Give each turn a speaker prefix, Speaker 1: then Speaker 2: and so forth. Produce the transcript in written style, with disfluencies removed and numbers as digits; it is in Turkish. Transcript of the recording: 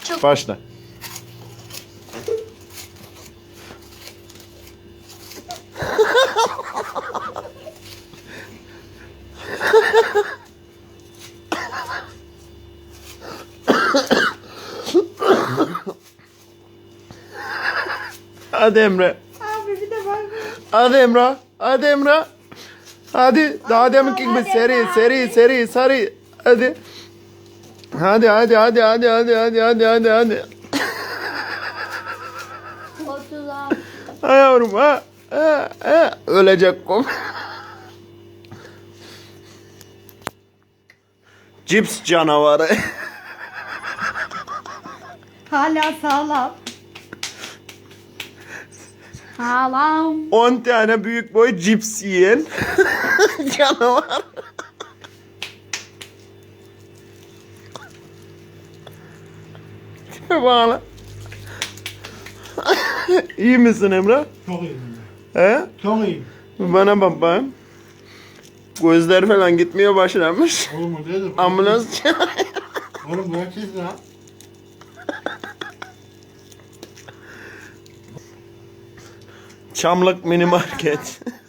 Speaker 1: Başla. Hadi Emre.
Speaker 2: Abi bir de bak.
Speaker 1: Hadi Emre. Hadi Emre. Hadi. Daha deminki gibi
Speaker 2: hadi
Speaker 1: seri
Speaker 2: Emre,
Speaker 1: seri seri seri. Hadi. Hadi hadi hadi hadi hadi hadi hadi hadi hadi.
Speaker 2: 36.
Speaker 1: Ha yavrum ha. Ölecek kum. Cips canavarı.
Speaker 2: Hala sağlam. Sağlam.
Speaker 1: 10 tane büyük boy cips yiyen canavar. Bana. İyi misin Emre?
Speaker 3: Çok iyiyim.
Speaker 1: He?
Speaker 3: Çok iyiyim.
Speaker 1: Bana bak bakayım. Gözler falan gitmeye başlamış.
Speaker 3: Oğlum o nedir?
Speaker 1: Ambulans çağır.
Speaker 3: Oğlum bu herkes lan.
Speaker 1: Çamlık mini market.